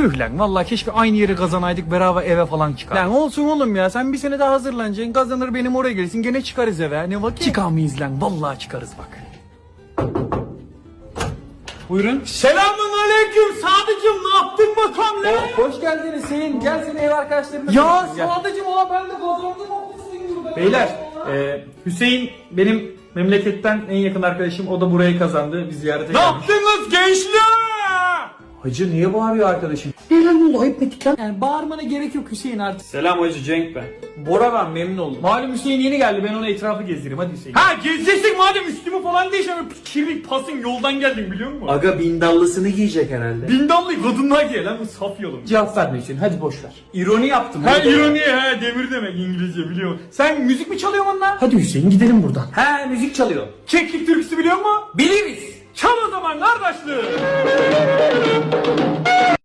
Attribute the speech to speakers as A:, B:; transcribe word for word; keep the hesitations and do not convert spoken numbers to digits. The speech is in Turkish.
A: Tüh lan vallahi keşke aynı yeri kazanaydık beraber eve falan çıkar. Lan olsun oğlum ya sen bir sene daha hazırlanacaksın kazanır benim oraya gelirsin gene çıkarız eve ne vakit. Çıkamayız lan vallahi çıkarız bak. Buyurun. Selamun aleyküm Sadıcım ne yaptın bakalım lan? Oh, hoş geldin Hüseyin gel seni ev arkadaşlarına. Ya Sadıcım ola ben de kazandım haklısın. Beyler e, Hüseyin benim memleketten en yakın arkadaşım o da burayı kazandı biz ziyarete geldik. Ne yaptınız gençler? Hacı niye bağırıyor arkadaşım? Ne lan oldu ayıp ettik lan. Yani bağırmana gerek yok Hüseyin artık. Selam hacı Cenk ben. Bora ben memnun oldum. Malum Hüseyin yeni geldi ben ona etrafı gezdireyim hadi Hüseyin. Ha gezeceksin madem üstümü falan değişemem. Kirlik pasın yoldan geldim biliyor musun?
B: Aga bindallısını giyecek herhalde.
A: Bindallı kadınlar giyer lan bu saf yolum. Cevap verme Hüseyin hadi boş ver. İroni yaptım. Ha ironi ha demir demek İngilizce biliyor musun? Sen müzik mi çalıyorsun onunla? Hadi Hüseyin gidelim buradan.
B: He müzik çalıyor.
A: Keklik türküsü biliyor musun?
B: Biliriz.
A: Çal o zaman kardeşler.